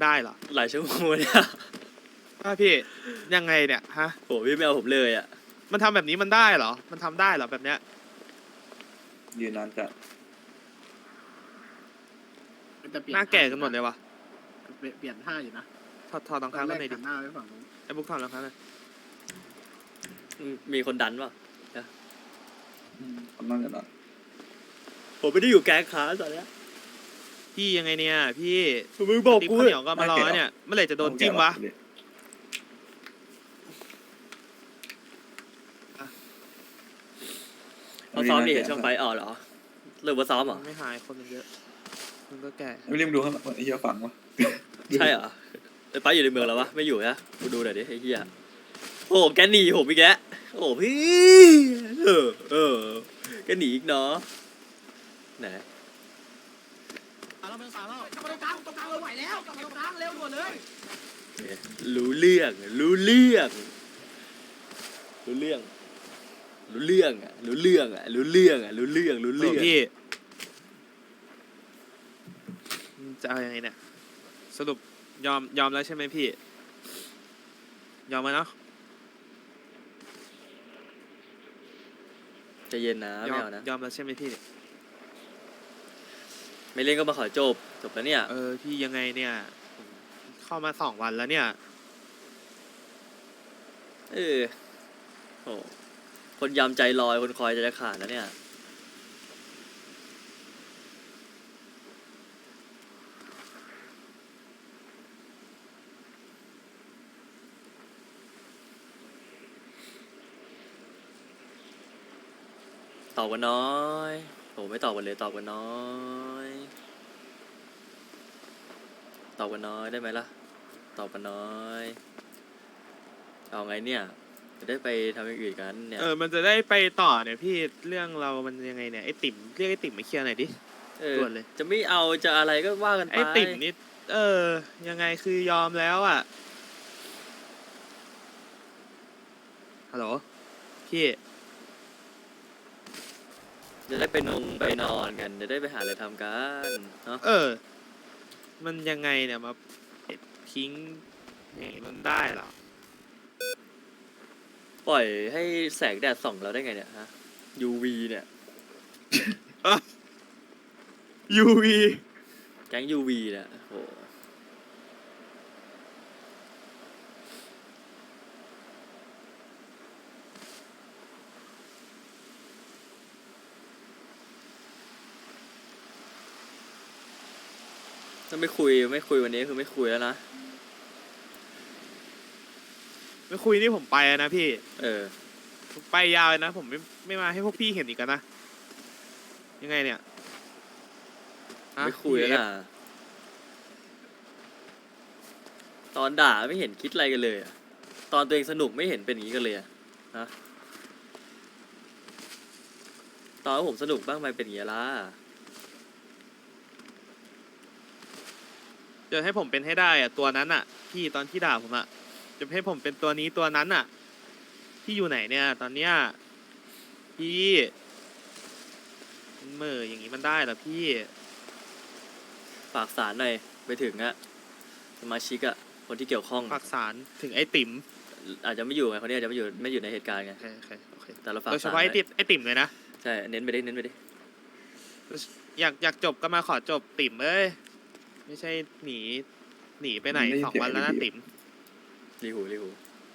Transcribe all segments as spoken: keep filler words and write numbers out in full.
ได้เหรอหลายชั่วโมงเนี่ยอ่ะพี่ยังไงเนี่ยฮะโหพี่ไม่เอาผมเลยอ่ะมันทำแบบนี้มันได้เหรอมันทำได้เหรอแบบเนี้ยยืนนานจัดหน้าแก่กันหมดเลยวะเปลี่ยนท่าอยู่นะถอดถอดรองเท้ากันหน่อยดิหน้าไว้ฝั่งนู้นไอ้บุ๊กถอดรองเท้าหน่อยมีคนดันป่ะกำลังจะนอนผมไม่ได้อยู่แก๊งค้าตอนเนี้ยพี่ยังไงเนี่ยพี่มึงบอกติ๊บกูข้าวเหนียวก็มารอเนี่ยเมื่อไหร่จะโดนจิ้มวะเขาซ้อมมีเห็นช่องไฟอ๋อเหรอหรือว่าซ้อมเหรอไม่หายคนมันเยอะมันก็แก่ไม่รีบดูข้างหลังไอ้เหี้ยฝังวะใช่เหรอไอ้ป้าอยู่ในเมืองแล้ววะไม่อยู่นะกูดูหน่อยดิไอ้เหี้ยโอ้แกหนีผมอีกแล้วโอ้พี่เออเออแกหนีอีกเนาะไหนเราเป็นสาวแล้วกลับมาตรงกลางตรงกลางเราไหวแล้วกลับมาตรงกลางเร็วด่วนเลยรู้เรื่องรู้เรื่องรู้เรื่องรู้เรื่องอ่ะรู้เรื่องอ่ะรู้เรื่องอ่ะรู้เรื่องรู้เอเรื่อองพี่จะเอายังไงเนี่ยสรุปยอมยอมแล้วใช่ไหมพี่ยอมไหมเนาะใจเย็นนะยอไม่มเอานะยอมแล้วใช่ไหมพี่ไม่เล่นก็มาขอจบจบแล้วเนี่ยเออพี่ยังไงเนี่ยผมเข้ามาสองวันแล้วเนี่ยเออโอ้คนยำใจลอยคนคอยใจจะขาดแล้วเนี่ยตอบกันน้อยโอ้ไม่ตอบกันเลยตอบกันน้อยตอบกันน้อยได้ไหมล่ะตอบกันน้อยเอาไงเนี่ยจะได้ไปทำอย่างอื่นกันเนี่ยเออมันจะได้ไปต่อเนี่ยพี่เรื่องเรามันยังไงเนี่ยไอติ๋มเรียกไอติ๋มมาเคลียร์หน่อยดิเออด่วนเลยจะไม่เอาจะอะไรก็ว่ากันไปไอติ๋มนี่เออยังไงคือยอมแล้วอ่ะฮัลโหลพี่จะได้ไปนงไปนอนกันจะได้ไปหาอะไรทำกันเนาะเออ มันยังไงเนี่ยมาทิ้งอย่างนี้มันได้เหรอปล่อยให้แสงแดดส่องเราได้ไงเนี่ยฮะ ยู วี เนี่ยยูวีแก๊ง ยู วี เนี่ยโอ้โหถ้าไม่คุยไม่คุยวันนี้คือไม่คุยแล้วนะไม่คุยนี่ผมไปแล้วนะพี่เออผมไปยาวเลยนะผมไม่ไม่มาให้พวกพี่เห็นอีกแล้วนะยังไงเนี่ยฮะไม่คุยแล้วนะตอนด่าไม่เห็นคิดอะไรกันเลยอะตอนตัวเองสนุกไม่เห็นเป็นอย่างนี้กันเลยอะฮะตอนผมสนุกบ้างไหมเป็นอย่างนี้ล่ะจะให้ผมเป็นให้ได้อะตัวนั้นอะพี่ตอนที่ด่าผมอะจะให้ผมเป็นตัวนี้ตัวนั้นอะพี่อยู่ไหนเนี่ยตอนเนี้ยพี่เมื่ออย่างนี้มันได้เหรอพี่ฝากสารหน่อยไปถึงอะสมาชิกอะคนที่เกี่ยวข้องฝากสารถึงไอ้ติ๋มอาจจะไม่อยู่ไงคนนี้อาจจะไม่อยู่ไม่อยู่ในเหตุการณ์ไงโอเคโอเคโอเคแต่เราฝากโดยเฉสารพาะไอ้ไว้ติ๋มไอ้ติ๋มเลยนะใช่เน้นไปดิเน้นไปดิอยากอยากจบก็มาขอจบติ๋มเอ้ยไม่ใช่หนีหนีไปไหนสองวันแล้วนะติ๋มรีหูรีหู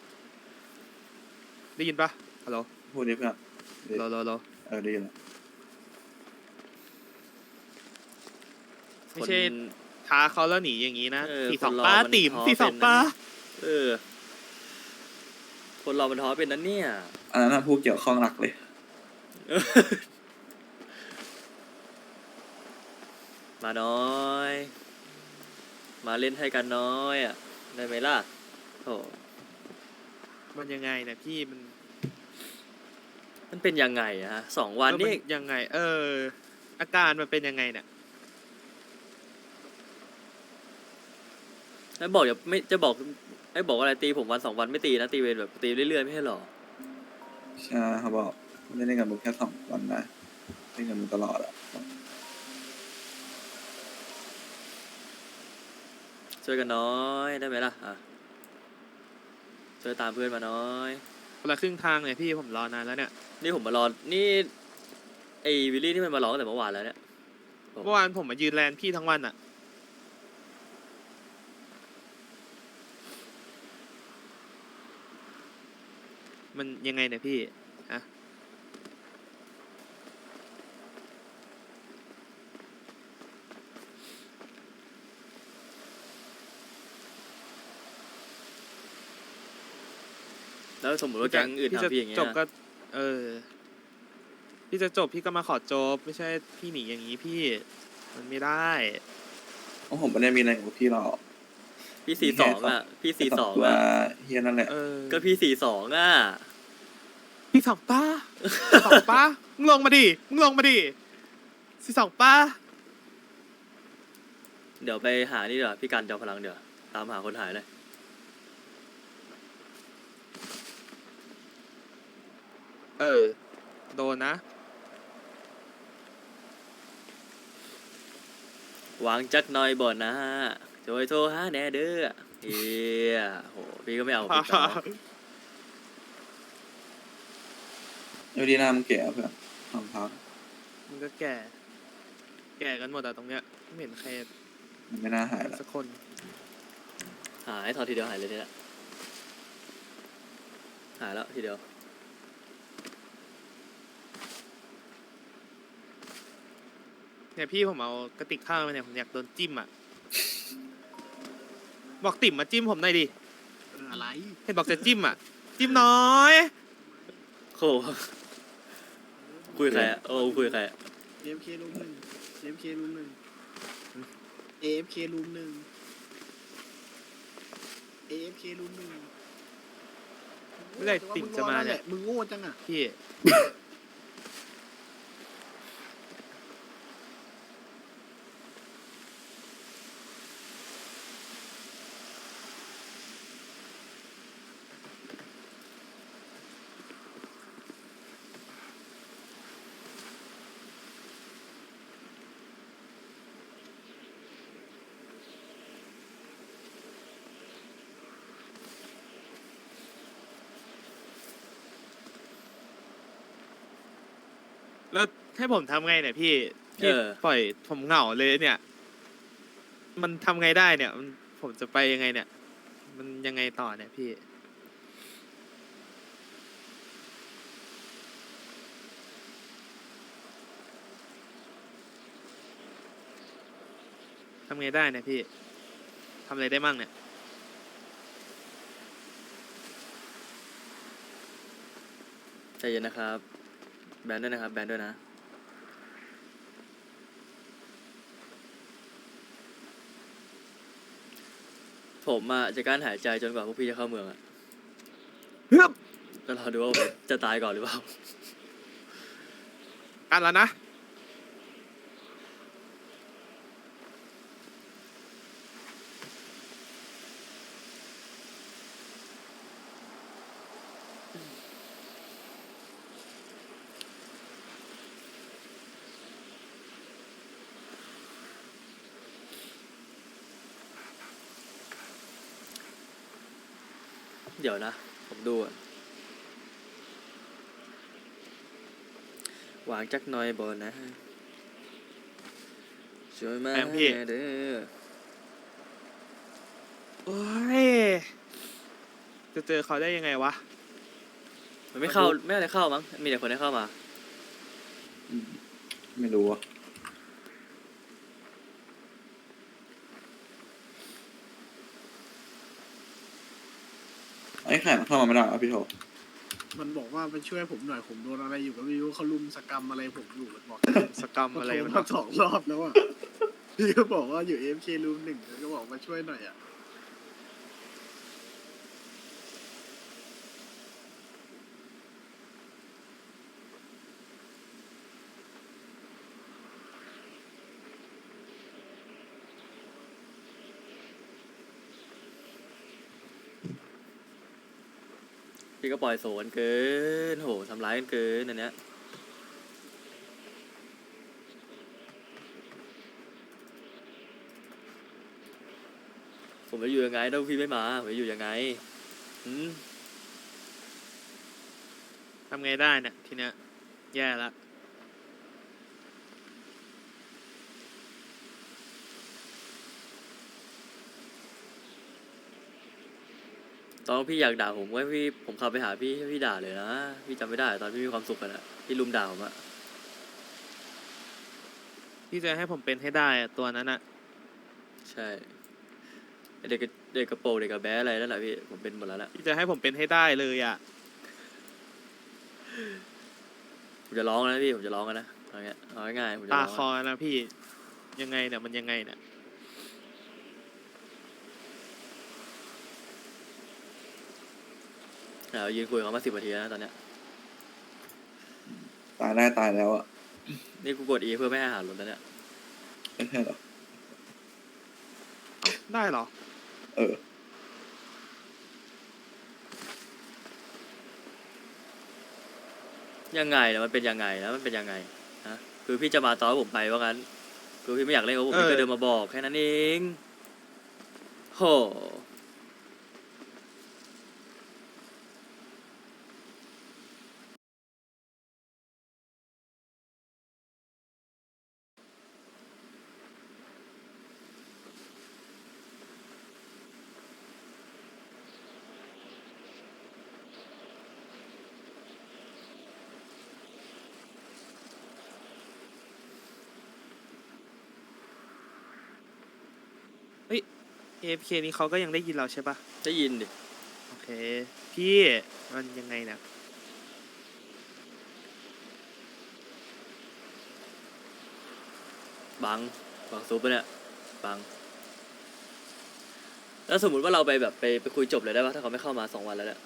ได้ยินปะฮัลโหลพูดดิเพื่อนโลโลโลเออดีแล้วไม่ใช่ท้าเขาแล้วหนีอย่างนี้นะเออสี่สองคนรป้ามันติ๋มท้สี่สองเป็นป้าเออ คนเรามันท้อเป็นนั้นเนี่ยอันนั้นน่ะผู้เกี่ยวข้องหลักเลยมาน้อย มาเล่นให้กันน้อยอ่ะได้ไหมล่ะโอ้มันยังไงเนี่ยพี่มันมันเป็นยังไงอะฮะสองวันเออนี่มัยังไง เออ อาการมันเป็นยังไงเนี่ยแล้วบอกอย่าไม่จะบอกไอ้บอกอะไรตีผมวันสองวันไม่ตีนะตีเป็นแบบตีเรื่อยๆไม่ใช่หรอใช่เขาบอกไม่ได้เล่นกับมึงแค่สองวันนะเล่นกับมึงตลอดอ่ะช่วยกันน้อยได้ไหมล่ะอ่ะช่วยตามเพื่อนมาน้อยคนละครึ่งทางเลยพี่ผมรอนานแล้วเนี่ยนี่ผมมารอนี่ไอ้วิลลี่ที่มันมาร้องตั้งแต่เมื่อวานแล้วเนี่ยเมื่อวานผมมายืนแลนพี่ทั้งวันอ่ะ มันยังไงเนี่ยพี่อะแล้วสมมติว่าแก๊งอื่นพี่จะทำพี่อย่างเงี้ยจบก็ เออ พี่จะจบพี่ก็มาขอจบ ไม่ใช่พี่หนีอย่างนี้พี่ มันไม่ได้เพราะผมไม่ได้มีอะไรกับพี่หรอกพี่สี่สองอ่ะ พี่สี่สองตัวอ่ะเฮียนั่นแหละเออก็พี่สี่สองอ่ะพี่สองป้าสองป้ามึงลงมาดิ มึงลงมาดิสิสองป้าเดี๋ยวไปหานี่เดี๋ยวาพี่กันจอมพลังเดี๋ยวตามหาคนหายเลยเออ โดนนะวางจักหน่อยบ่นนะโดยโทรหาแน่เด้อเฮียโหพี่ก็ไม่เอาพี่ต่อเดี๋ยวดีหน้ามึงแก่เพื่อนทำพักมึงก็แก่ แก่กันหมดอะตรงเนี้ย ไม่เห็นใครมันไม่น่าหายละสักคนหายทอทีเดียวหายเลยเนี่ยหายแล้วทีเดียวเนี่ยพี่ผมเอากระติกข้าวมาเนี่ยผมอยากโดนจิ้มอ่ะ บอกติ่มมาจิ้มผมหน่อยดิเอออะไรเห็นบอกจะจิ้มอ่ะ จิ้มน้อยโหคุยใครอ่ะโอ้คุยใครอะเอฟเครูมหนึ่งเอฟเครูมหนึ่งเอฟเครูมหนึ่งเอฟเครูมหนึ่งไม่ได้ติ่มจะมาเนี่ยมึงโง่จังอ่ะพี่ แล้วให้ผมทำไงเนี่ยพี่เอพี่อปล่อยผมเหงาเลยเนี่ย มันทำไงได้เนี่ยมันผมจะไปยังไงเนี่ย มันยังไงต่อเนี่ยพี่ ทำไงได้เนี่ยพี่ ทำอะไรได้มั่งเนี่ยใจเย็นนะครับ แบนด้วยนะครับ แบนด้วยนะ ผมอ่ะจะการหายใจจนกว่าพวกพี่จะเข้าเมืองอ่ะฮึบก็รอดูว่าผมจะตายก่อนหรือเปล่ากันแล้วนะเดี๋ยวนะ ผมดูอะวางจักหน่อยบนนะช่วยมาแอมพี่เด้อโอ้ย จะเจอเขาได้ยังไงวะมันไม่เข้าไม่อะไรเข้ามั้งมีแต่คนได้เข้ามาอืมไม่รู้อะไอ้ไข่มันเข้ามาไม่ได้อะพี่โถมันบอกว่าไปช่วยผมหน่อยผมโดนอะไรอยู่ก็ไม่รู้เขาลุมสกรรมอะไรผมอยู่มันบอกสกรรมอะไรโทมันมาสองรอบแล้วอ่ะพี่ก็บอกว่าอยู่เอฟเครูมหนึ่งก็บอกมาช่วยหน่อยอ่ะพี่ก็ปล่อยโสนเกินโหทำร้ายกันเกินอันเนี้ยผมจะอยู่ยังไงถ้าพี่ไม่มาผมจะอยู่ยังไงอืมทำไงได้เนี่ยทีเนี้ยแย่ละตอนพี่อยากด่าผมว่าพี่ผมขับไปหาพี่ให้พี่ด่าเลยนะพี่จำไม่ได้ตอนพี่มีความสุขกันอะพี่ลุมด่าผมอะพี่จะให้ผมเป็นให้ได้อะตัวนั้นอะใช่เด็กกระเด็กกระโปรงเด็กกระแบ๊อะไรนั่นแหละพี่ผมเป็นหมดแล้วแหละพี่จะให้ผมเป็นให้ได้เลยอะผมจะร้องนะพี่ผมจะร้องกันนะเอางี้เอาง่ายๆผมจะตาร้องคอนะพี่ยังไงเนี่ยมันยังไงเนี่ยเดี๋ยวยืนคุยกับเขามาสิบนาทีแล้วนะตอนเนี้ยตายได้ตายแล้วอ่ะนี่กูกด E เพื่อไม่ให้อาหารลดแล้วเนี่ยไม่ใช่เหรอเอ้าได้เหรอเออยังไงนะมันเป็นยังไงนะมันเป็นยังไงฮะคือพี่จะมาตอนผมไปว่างั้นคือพี่ไม่อยากเล่นกับผมเออพี่ก็เดินมาบอกแค่นั้นเองโหเอฟเคนี้เขาก็ยังได้ยินเราใช่ปะได้ยินดิโอเค พี่มันยังไงเนี่ยบังบังซุปปะเนี่ยบังแล้วสมมติว่าเราไปแบบไปไปคุยจบเลยได้ปะถ้าเขาไม่เข้ามาสองวันแล้วเนี่ย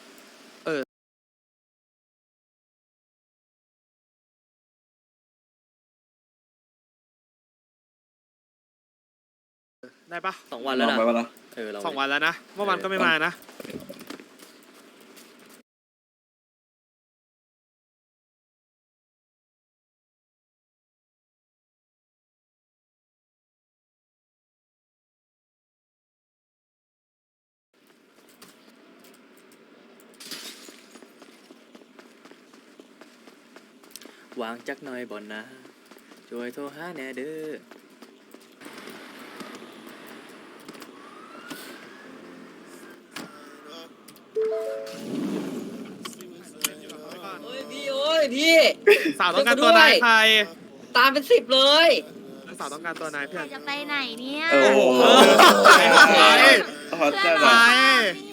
ได้ปะสองวันลแล้วองนะไปวะล่ะเออเราสองวันแล้วนะเมื่อวานก็ไม่มานะวางจักหน่อยบอลนะช่วยโทรหาแหน่เด้อโอ้ยพี่โอ้ยพี่สาวต้องการตัวนายใครตามเป็นสิบเลยสาวต้องการตัวนายเพื่อนจะไปไหนเนี่ยโอ้โหเออฮอตจัดไปอะเนี่